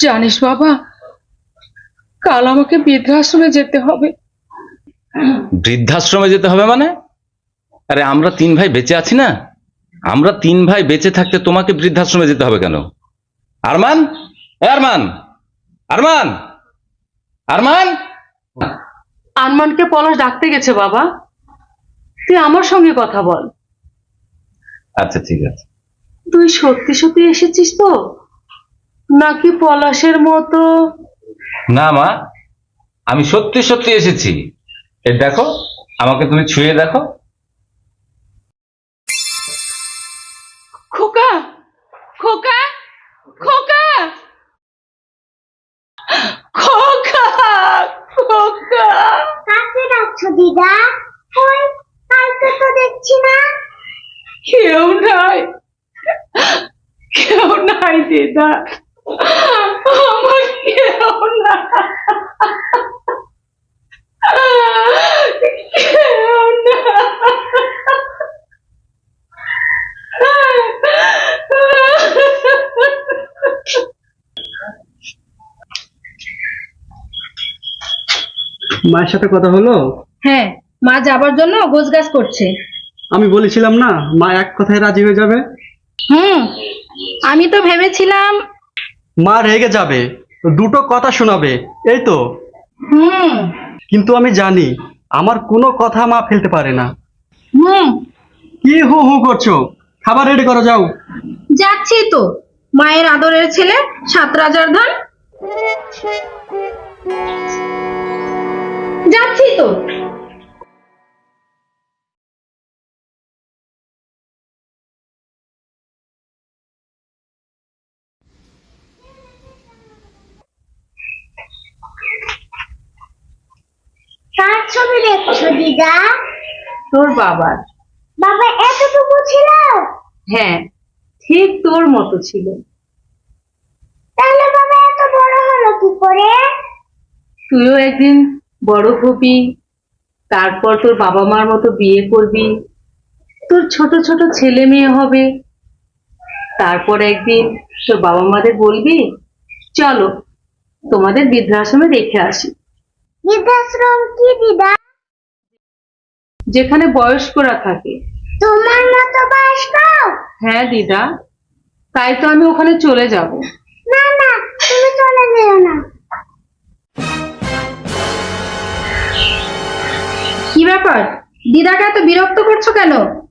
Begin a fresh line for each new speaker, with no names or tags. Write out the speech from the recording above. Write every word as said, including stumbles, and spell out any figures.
জানিস বাবা, কাল আমাকে বৃদ্ধাশ্রমে যেতে হবে।
বৃদ্ধাশ্রমে যেতে হবে মানে? আরে আমরা তিন ভাই বেঁচে আছি না? আমরা তিন ভাই বেঁচে থাকতে তোমাকে বৃদ্ধাশ্রমে যেতে হবে কেন? আরমান, এ আরমান, আরমান, আরমান।
আরমানকে পলাশ ডাকতে গেছে বাবা, তুই আমার সঙ্গে কথা বল।
আচ্ছা ঠিক আছে।
তুই সত্যি সত্যি এসেছিস তো, নাকি পলাশের মতো?
না মা, আমি সত্যি সত্যি এসেছি। এই দেখো, আমাকে তুমি ছুঁয়ে দেখো।
খোকা, খোকা, খোকা, খোকা, খোকা।
কাকে ডাকছো দিদা? ওই কালকে তো দেখছি না।
কেউ নাই, কেউ নাই দিদা, আমার কেউ না, কেউ না।
মায়ের সাথে কথা হলো?
হ্যাঁ, মা যাবার জন্য গোছগাছ করছে।
আমি বলেছিলাম না মা এক কথায় রাজি হয়ে যাবে।
হুম, আমি তো ভেবেছিলাম।
মা রেগে যাবে, দুটো কথা শোনাবে, এই তো।
হুম
কিন্তু আমি জানি আমার কোনো কথা মা ফেলতে পারে না।
হুম
কি হু হু করছো? খাবার রেডি করো, যাও।
যাচ্ছি তো, মায়ের আদরের ছেলে সাত রাজার ধন। যাচ্ছি তো।
কার ছবি দেখছো দিদা?
তোর বাবার।
বাবা এতটুকু ছিল?
হ্যাঁ, ঠিক তোর মতো ছিল।
তাহলে বাবা এত বড় হলো কি করে?
তুইও একদিন বড় হবি, তারপর তোর বাবা মার মতো বিয়ে করবি, তোর ছোট ছোট ছেলে মেয়ে হবে, তারপর একদিন তোর বাবা মাদের বলবি চলো তোমাদের বৃদ্ধাশ্রমে রেখে আসি।
বৃদ্ধাশ্রম কি দিদা?
যেখানে বয়স্করা থাকে।
তোমার মতো বয়স্ক?
হ্যাঁ দিদা, তাই তো আমি ওখানে চলে যাব।
না না, তুমি চলে যেও না।
কি ব্যাপার, দিদাকে এত বিরক্ত করছো কেন?